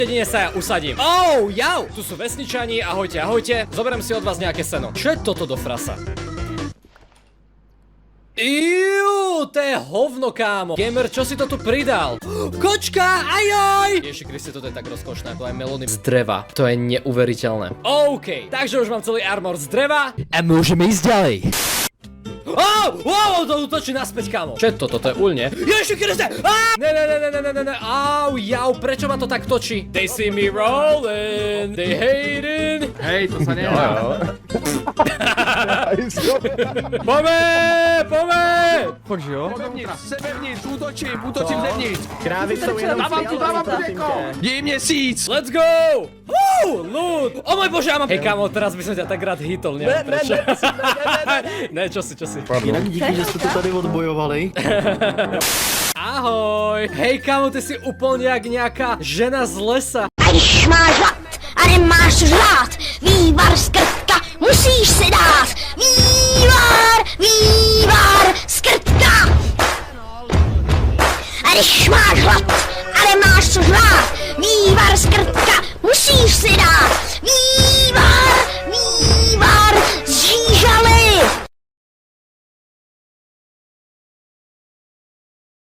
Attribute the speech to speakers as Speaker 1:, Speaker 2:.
Speaker 1: Jedine sa ja usadím. Oh, jau! Tu sú vesničani, ahojte, ahojte. Zoberiem si od vás nejaké seno. Čo je toto do frasa? Iuuu, to je hovno, kámo. Gamer, čo si to tu pridal? Kočka, ajoj! Ježi Kriste, toto je tak rozkošné, to aj melóny z dreva. To je neuveriteľné. OK, takže už mám celý armor z dreva. A môžeme ísť ďalej. Wow, to útočí naspäť, kámo. Čo je to? Toto je uľne. Ježi Kriste! Ne. Au, jau, prečo ma to tak točí? They see me rolling, they hating.
Speaker 2: Hej, to sa nedá.
Speaker 1: Pome!
Speaker 2: Fakt, že jo?
Speaker 3: Sevevnitř, útočím zevnitř.
Speaker 4: Krávy jsou jenom
Speaker 3: Dávám mléko. Dej měsíc.
Speaker 1: Let's go! Loot! O môj bože, ja mám... Hej, kámo, teraz by som ťa tak rád hitol, neviem prečo. Ne, čo si.
Speaker 4: Jinak díky, že jste to tady odbojovali.
Speaker 1: Ahoj! Hej, kámo, ty si úplne jak nejaká žena z lesa.
Speaker 5: A když máš hlad a nemáš žrát, vývar z krtka musíš si dát. Vývar z krtka. A když máš hlad a nemáš co žrát, vývar z krtka musíš si dát. Vývar